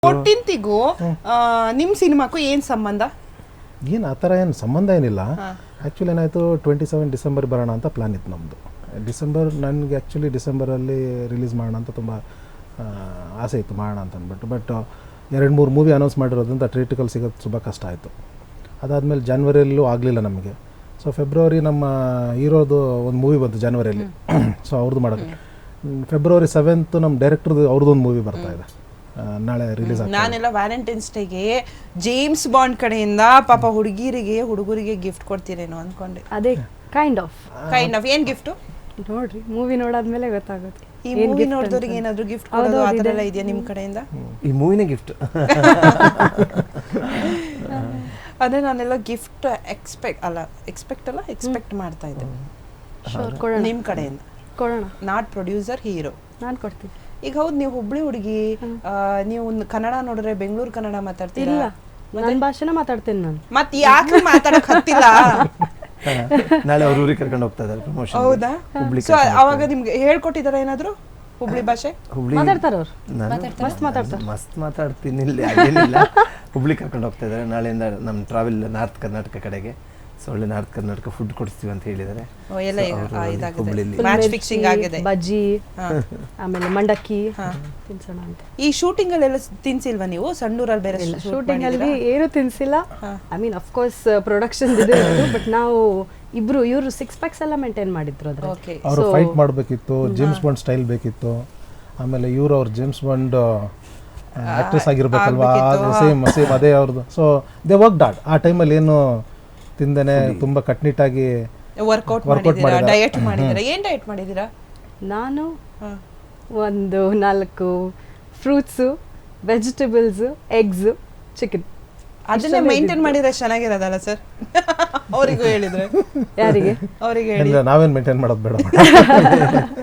14ಗೂ ನಿಮ್ಮ ಸಿನಿಮಾಕ್ಕೂ ಏನು ಸಂಬಂಧ? ಏನು ಆ ಥರ ಏನು ಸಂಬಂಧ ಏನಿಲ್ಲ. ಆ್ಯಕ್ಚುಲಿ ಏನಾಯಿತು 27 ಡಿಸೆಂಬರ್ ಬರೋಣ ಅಂತ ಪ್ಲ್ಯಾನ್ ಇತ್ತು ನಮ್ಮದು. ನನಗೆ ಆ್ಯಕ್ಚುಲಿ ಡಿಸೆಂಬರಲ್ಲಿ ರಿಲೀಸ್ ಮಾಡೋಣ ಅಂತ ತುಂಬ ಆಸೆ ಇತ್ತು, ಮಾಡೋಣ ಅಂತ ಅಂದ್ಬಿಟ್ಟು. ಬಟ್ 2-3 ಮೂವಿ ಅನೌನ್ಸ್ ಮಾಡಿರೋದ್ರಿಂದ ಥಿಯೇಟ್ರಿಕಲ್ ಸಿಗೋದು ತುಂಬ ಕಷ್ಟ ಆಯಿತು. ಅದಾದಮೇಲೆ ಜನ್ವರಿಯಲ್ಲೂ ಆಗಲಿಲ್ಲ ನಮಗೆ. ಸೊ ಫೆಬ್ರವರಿ ನಮ್ಮ ಹೀರೋದು ಒಂದು ಮೂವಿ ಬಂತು ಜನವರಿಯಲ್ಲಿ. ಸೊ ಅವ್ರದ್ದು ಮಾಡೋಕ್ಕೆ ಫೆಬ್ರವರಿ 7th ನಮ್ಮ ಡೈರೆಕ್ಟರ್ದು ಅವ್ರದ್ದೊಂದು ಮೂವಿ ಬರ್ತಾಯಿದೆ, ನಾಳೆ ರಿಲೀಸ್ ಆಗ್ತದೆ. ನಾನೆಲ್ಲ ವ್ಯಾಲೆಂಟೈನ್ಸ್ ಡೇಗೆ ಜೇಮ್ಸ್ ಬಾಂಡ್ ಕಡೆಯಿಂದ ಪಾಪ ಹುಡುಗರಿಗೆ ಗಿಫ್ಟ್ ಕೊಡ್ತೀರೇನೋ ಅನ್ಕೊಂಡೆ. ಅದೇ ಕೈಂಡ್ ಆಫ್ ಏನ್ ಗಿಫ್ಟ್ ನೋಡ್ರಿ, ಮೂವಿ ನೋಡಾದ್ಮೇಲೆ ಗೊತ್ತಾಗುತ್ತೆ. ಈ ಮೂವಿ ನೋಡಿದವ್ರಿಗೆ ಏನಾದ್ರು ಗಿಫ್ಟ್ ಕೊಡೋದು ಆ ಥರ ಎಲ್ಲ ಇದೆಯಾ ನಿಮ್ಮ ಕಡೆಯಿಂದ? ಈ ಮೂವಿನೇ ಗಿಫ್ಟ್. ಅದೇ ನಾನೆಲ್ಲ ಗಿಫ್ಟ್ ಎಕ್ಸ್ಪೆಕ್ಟ್ ಮಾಡ್ತಾ ಇದ್ದೆ ನಿಮ್ಮ ಕಡೆಯಿಂದ. ಕೊಡೋಣ, ನಾಟ್ ಪ್ರೊಡ್ಯೂಸರ್, ಹೀರೋ. ನಾನು ಕೊಡ್ತೀನಿ. ಈಗ ಹೌದು, ನೀವು ಹುಬ್ಳಿ ಹುಡುಗಿ, ನೀವು ಕನ್ನಡ ನೋಡಿದ್ರೆ ಬೆಂಗಳೂರು ಕನ್ನಡ ಮಾತಾಡ್ತೀರಾ? ಇಲ್ಲ, ನನ್ನ ಭಾಷೆನ ಮಾತಾಡ್ತೀನಿ ನಾನು. ಮತ್ತೆ ಯಾಕೆ ಮಾತಾಡಕ್ ಹತ್ತಿಲ್ಲ? ನಾಳೆ ಅವ್ರ ಊರಿಗೆ ಕರ್ಕೊಂಡು ಹೋಗ್ತಾ ಇದ್ದಾರೆ ಪ್ರಮೋಷನ್. ಹೌದಾ? ಸೊ ಅವಾಗ ನಿಮ್ಗೆ ಹೇಳ್ಕೊಟ್ಟಿದಾರ ಏನಾದ್ರು ಹುಬ್ಳಿ ಭಾಷೆ? ಹುಬ್ಳಿ ಮಾತಾಡ್ತಾರ ಅವ್ರು, ಮಸ್ತ್ ಮಾತಾಡ್ತಾರೆ. ಮಸ್ತ್ ಮಾತಾಡ್ತೀನಿ, ಇಲ್ಲಿ ಅದೇನಿಲ್ಲ. ಹುಬ್ಳಿ ಕರ್ಕೊಂಡು ಹೋಗ್ತಾ ಇದ್ದಾರೆ ನಾಳೆಯಿಂದ. ನಮ್ಮ ಟ್ರಾವೆಲ್ ನಾರ್ತ್ ಕರ್ನಾಟಕ ಕಡೆಗೆ. ಸೊ ಒಳ್ಳೆ ನಾರ್ತ್ ಕರ್ನಾಟಕ ಫುಡ್ ಕೊಡಿಸ್ತೀವಿ ಅಂತ ಹೇಳಿದ್ದಾರೆ. ಬಜ್ಜಿ, ಆಮೇಲೆ ಮಂಡಕ್ಕಿ ತಿನ್ಸೋಣ ಅಂತ. ಈ ಶೂಟಿಂಗ್ ಅಲ್ಲೆಲ್ಲ ತಿನ್ಸಿಲ್ವಾ ನೀವು? ಸಣ್ಣೂರಲ್ಲಿ ಬೇರೆ ಶೂಟಿಂಗ್ ಅಲ್ಲಿ ಏನು ತಿನ್ಸಿಲ್ಲ. I mean of course production ಇದೆ, ಬಟ್ ನಾವು ಇವರು 6 ಪ್ಯಾಕ್ಸ್ ಎಲ್ಲ ಮೇಂಟೈನ್ ಮಾಡಿದ್ರು. ಅವರು ಫೈಟ್ ಮಾಡಬೇಕಿತ್ತು, ಜೇಮ್ಸ್ ಬಾಂಡ್ ಸ್ಟೈಲ್ ಬೇಕಿತ್ತು. ಆಮೇಲೆ ಇವರು ಅವ್ರು ಜೇಮ್ಸ್ ಬಾಂಡ್ ಆಕ್ಟ್ರೆಸ್ ಆಗಿರ್ಬೇಕಲ್ವಾ, ಸೇಮ್ ಅದೇ ಅವ್ರದ್ದು. So they work hard. ಆ ಟೈಮಲ್ಲಿ ಏನು ತಿಂದೇನೆ ತುಂಬ ಕಟ್ನಿಟ್ಟಾಗಿ ವರ್ಕೌಟ್ ಮಾಡಿದ್ದೀರಾ, ಡಯಟ್ ಮಾಡಿದ್ದೀರಾ? ಏನು ಡಯಟ್ ಮಾಡಿದ್ದೀರಾ? ನಾನು ಒಂದು 4 ಫ್ರೂಟ್ಸು, ವೆಜಿಟೇಬಲ್ಸ್, ಎಗ್ಸ್, ಚಿಕನ್ ಅದನ್ನೇ ಮೇಂಟೈನ್ ಮಾಡಿದ್ರೆ ಚೆನ್ನಾಗಿರೋದಲ್ಲ ಸರ್? ಅವರಿಗೂ ಹೇಳಿದ್ರೆ ಯಾರಿಗೆ? ಅವರಿಗೆ ಹೇಳಿ. ನಾವೇನು ಮೇಂಟೈನ್ ಮಾಡೋದು ಬೇಡ.